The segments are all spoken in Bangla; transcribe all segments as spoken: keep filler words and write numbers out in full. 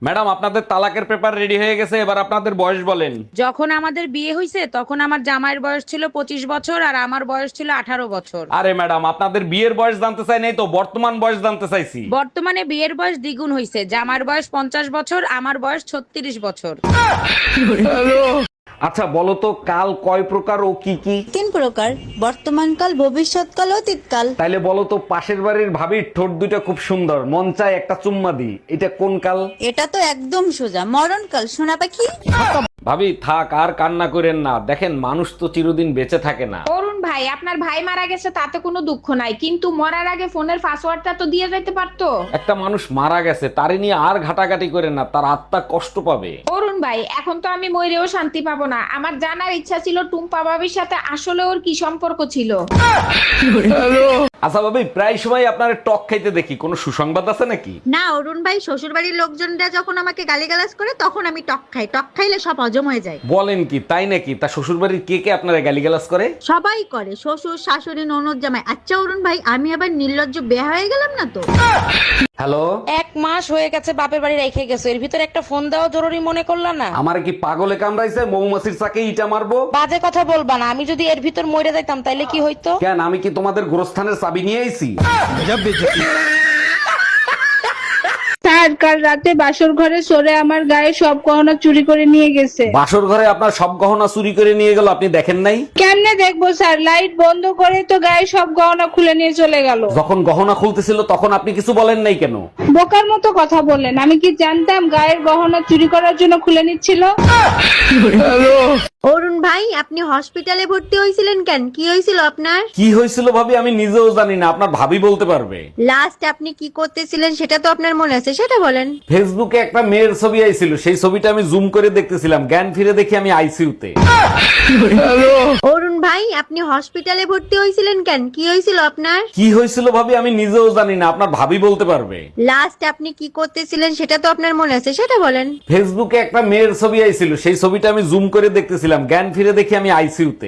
ম্যাডাম আপনাদের তালাকের পেপার রেডি হয়ে গেছে, এবার আপনাদের বয়স বলেন। যখন আমাদের বিয়ে হয়েছে তখন আমার জামাইয়ের বয়স ছিল পঁচিশ বছর আর আমার বয়স ছিল আঠারো বছর। আরে ম্যাডাম আপনাদের বিয়ের বয়স জানতে চাই নাই তো, বর্তমান বয়স জানতে চাইছি। বর্তমানে বিয়ের বয়স দ্বিগুণ হয়েছে, জামাইয়ের বয়স পঞ্চাশ বছর, আমার বয়স ছত্রিশ বছর। আচ্ছা বলো তো, কাল কয় প্রকার ও কি কি? তিন প্রকার, বর্তমানকাল, ভবিষ্যৎকাল, অতীতকাল। তাইলে বলো তো, পাশের বাড়ির ভাবির ঠোঁট দুটো খুব সুন্দর, মন চায় একটা চুম্মা দি, এটা কোন কাল? এটা তো একদম সোজা, মরণকাল, সোনা পাখি। ভাবি থাক আর কান্না করেন না, দেখেন মানুষ তো চিরদিন বেঁচে থাকে না। অরুণ ভাই, আপনার ভাই মারা গেছে তাতে কোনো দুঃখ নাই, কিন্তু মরার আগে ফোনের পাসওয়ার্ডটা তো দিয়ে যাইতে পারতো। একটা মানুষ মারা গেছে, তারে নিয়ে আর ঘাটাঘাটি করেন না, তার আত্মা কষ্ট পাবে। অরুণ ভাই, এখন তো আমি মরেও শান্তি পাবো না। আমার জানার ইচ্ছা ছিল টুম্পা ভাবির সাথে আসলে ওর কি সম্পর্ক ছিল। আচ্ছা ভাবি, প্রায় সময় আপনার টক খাইতে দেখি, কোনো সুসংবাদ আছে নাকি? না অরুণ ভাই, শ্বশুর বাড়ির লোকজনরা যখন আমাকে গালিগালাজ করে তখন আমি টক খাই। টক খাইলে সব হজম হয়ে যায়। বলেন কি, তাই নাকি? তা শ্বশুর বাড়ির কে কে আপনারা গালিগালাজ করে? সবাই করে, শ্বশুর, শাশুড়ি, ননদ, জামাই। আচ্ছা অরুণ ভাই, আমি আবার নির্লজ্জ বেয়া হয়ে গেলাম না তো? হ্যালো, এক মাস হয়ে গেছে বাপের বাড়ি রেখে গেছো, এর ভিতরে একটা ফোন দেওয়া জরুরি মনে করলা না? আমার কি পাগলে কামড়াইছে? মৌমাছির চাকে ইটা মারবো? বাজে কথা বলবা না, আমি যদি এর ভিতর মরে যাইতাম তাইলে কি হইতো? কেন, আমি কি তোমাদের গোরস্থানের চাবি নিয়ে আইছি? স্যার, কাল রাতে বাসর ঘরে সরে আমার গায়ে সব গহনা চুরি করে নিয়ে গেছে। বাসর ঘরে আপনার সব গহনা চুরি করে নিয়ে গেল, আপনি দেখেন নাই? কেমনে দেখবো স্যার, লাইট বন্ধ করে তো গায়ে সব গহনা খুলে নিয়ে চলে গেল। যখন গহনা খুলতেছিল তখন আপনি কিছু বলেন নাই কেন? বোকার মতো কথা বললেন, আমি কি জানতাম গায়ের গহনা চুরি করার জন্য খুলে নিচ্ছিল? অরুণ ভাই, আপনি হসপিটালে ভর্তি হয়েছিলেন কেন? কি হয়েছিল আপনার? কি হয়েছিল ভাবি, আমি নিজেও জানি না, আপনার ভাবি বলতে পারবে। লাস্ট আপনি কি করতেছিলেন সেটা তো আপনার মনে আছে, সেটা বলেন। ফেসবুকে একটা মেয়ের ছবি আইছিল, সেই ছবিটা আমি জুম করে দেখতেছিলাম, জ্ঞান ফিরে দেখি আমি আইসিইউতে। অরুণ ভাই, আপনি হসপিটালে ভর্তি হয়েছিলেন কেন? কি হয়েছিল আপনার? কি হয়েছিল ভাবি, আমি নিজেও জানি না, আপনার ভাবি বলতে পারবে। লাস্ট আপনি কি করতেছিলেন সেটা তো আপনার মনে আছে, সেটা বলেন। ফেসবুকে একটা মেয়ের ছবি আইছিল, সেই ছবিটা আমি জুম করে দেখতেছিলাম, জ্ঞান ফিরে দেখি আমি আইসিইউতে।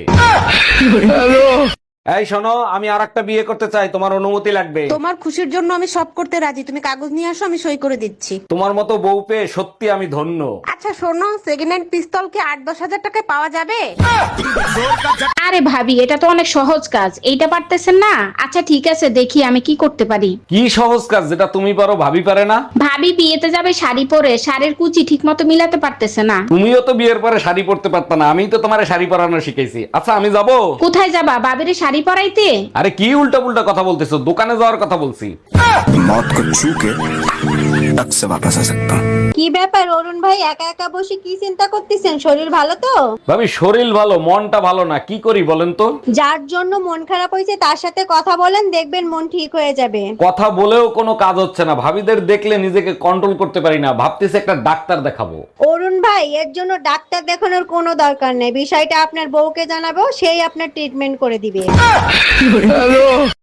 এই শোনো, আমি আর একটা বিয়ে করতে চাই, তোমার অনুমতি লাগবে। তোমার খুশির জন্য আমি সব করতে রাজি, তুমি কাগজ নিয়ে আসো, আমি সই করে দিচ্ছি। তোমার মতো বউ পেয়ে সত্যি আমি ধন্য। আচ্ছা শোনো, সেকেন্ড হ্যান্ড পিস্তল কি আট দশ হাজার টাকায় পাওয়া যাবে? আরে ভাবি, এটা তো অনেক সহজ কাজ, এইটা পারতেছেন না? আচ্ছা ঠিক আছে, দেখি আমি কি করতে পারি। কি সহজ কাজ যেটা তুমি পারো ভাবি পারে না? ভাবি বিয়েতে যাবে শাড়ি পরে, শাড়ির কুচি ঠিক মতো মিলাতে পারতেছে না। তুমিও তো বিয়ের পরে শাড়ি পরতে পারত না, আমি তো তোমার শাড়ি পরানো শিখাইছি। আচ্ছা আমি যাব। কোথায় যাবা? বাবিরে শাড়ি পরাইতে? আরে কি উল্টা পুল্টা কথা বলতেছো, দোকানে যাওয়ার কথা বলছি। मौत को छू के टक से वापस आ सकता हूँ। কি ব্যাপার অরুণ ভাই, একা একা বসে কি চিন্তা করতেছেন? শরীর ভালো তো? ভাবি শরীর ভালো, মনটা ভালো না, কি করি বলেন তো? যার জন্য মন খারাপ হয়েছে তার সাথে কথা বলেন, দেখবেন মন ঠিক হয়ে যাবে। কথা বলেও কোনো কাজ হচ্ছে না, ভাবিদের দেখলে নিজেকে কন্ট্রোল করতে পারি না, ভাবতেছি একটা ডাক্তার দেখাবো। অরুণ ভাই, এর জন্য ডাক্তার দেখানোর কোনো দরকার নেই, বিষয়টা আপনার বউকে জানাবো, সেই আপনার ট্রিটমেন্ট করে দিবে।